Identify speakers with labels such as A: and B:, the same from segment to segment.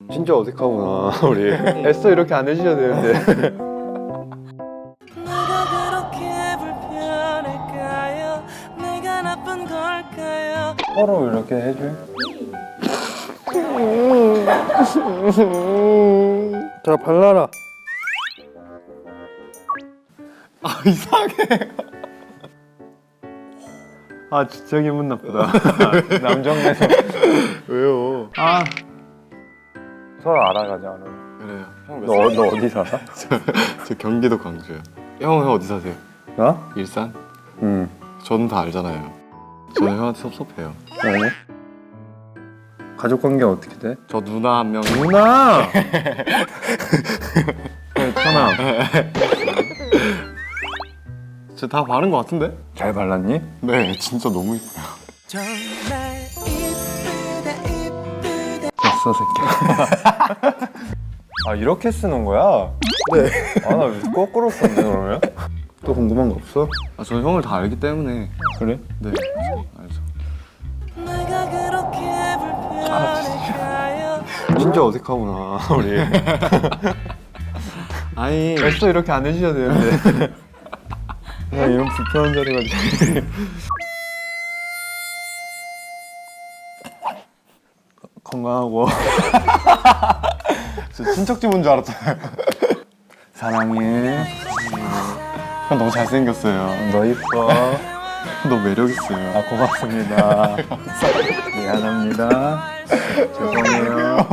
A: 진짜 어색하구나 우리. 애써 이렇게 안 해주셔야 되는데.
B: 내가 그렇게 불편할까요? 내가 나쁜 걸까요?
A: 서로 이렇게 해줘. 자 발라라. 아 이상해. 아 진짜 기분 나쁘다. 남정네서.
C: 왜요?
A: 아 서로 알아가자. 오늘.
C: 그래요. 형
A: 너 어디 살아?
C: 저 경기도 광주요. 형 어디 사세요?
A: 나?
C: 일산?
A: 응.
C: 저는 다 알잖아요. 저는 형한테 섭섭해요.
A: 왜? 가족 관계 어떻게 돼?
C: 저 누나 한 명.
A: 누나. 천아.
C: 저 다 바른 것 같은데?
A: 잘 발랐니?
C: 네, 진짜 너무 이뻐요.
B: 정말 이쁘다 이쁘다.
A: 됐어 새끼. 아 이렇게 쓰는 거야? 네. 아나 왜 거꾸로 썼네 그러면? 또 궁금한 거 없어?
C: 아, 저 형을 다 알기 때문에.
A: 그래?
C: 네, 알죠.
B: 내가 그렇게 불편할까요?
A: 진짜 어색하구나 우리.
C: 아니,
A: 애써 이렇게 안 해주셔야 되는데. 야 이런 불편한 자리가. 건강하고.
C: 저 친척 집 온 줄 알았잖아요.
A: 사랑해.
C: 형 너무 잘생겼어요.
A: 너 이뻐.
C: 너무 매력 있어요.
A: 아 고맙습니다. 미안합니다. 죄송해요.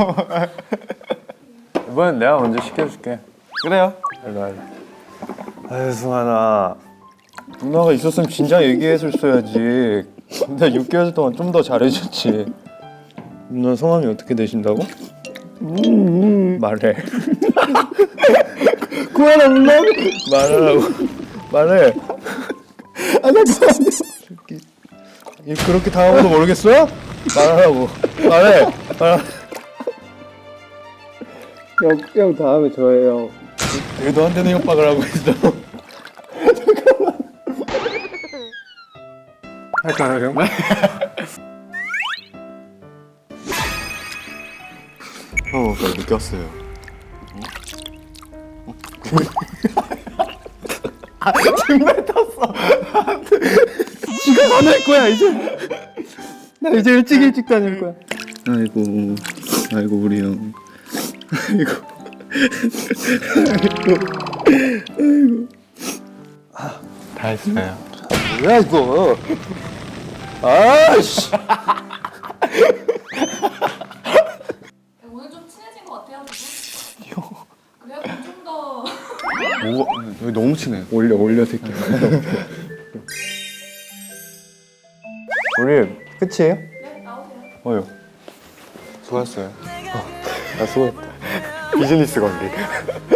A: 이번엔 내가 먼저 시켜줄게.
C: 그래요?
A: 일로 와. 아유 승환아, 누나가 있었으면 진작 얘기했었어야지. 근데 6개월 동안 좀 더 잘해줬지. 누나 성함이 어떻게 되신다고? 말해. 그만하 물러. 말하라고. 말해. 아 잠깐만. 그렇게 당하고도 모르겠어? 말하라고. 말해. 형 다음에 저예요. 왜 너한테는 협박을 하고 있어? 잠깐만. 할까요 형?
C: 형, 저 느꼈어요.
A: 지가 다닐 거야 이제. 나 이제 일찍 다닐 거야. 아이고 우리 형.
C: 다 했어요.
A: 뭐야 이거? 아씨.
D: 오늘 좀 친해진 것 같아요, 지금? 그래요? 그럼 좀 더.
C: 뭐가, 여기 너무 친해.
A: 올려 새끼. 우리 끝이에요?
D: 네, 나오세요.
A: 어요.
C: 수고했어요.
A: 나 수고했다.
C: 비즈니스 관계.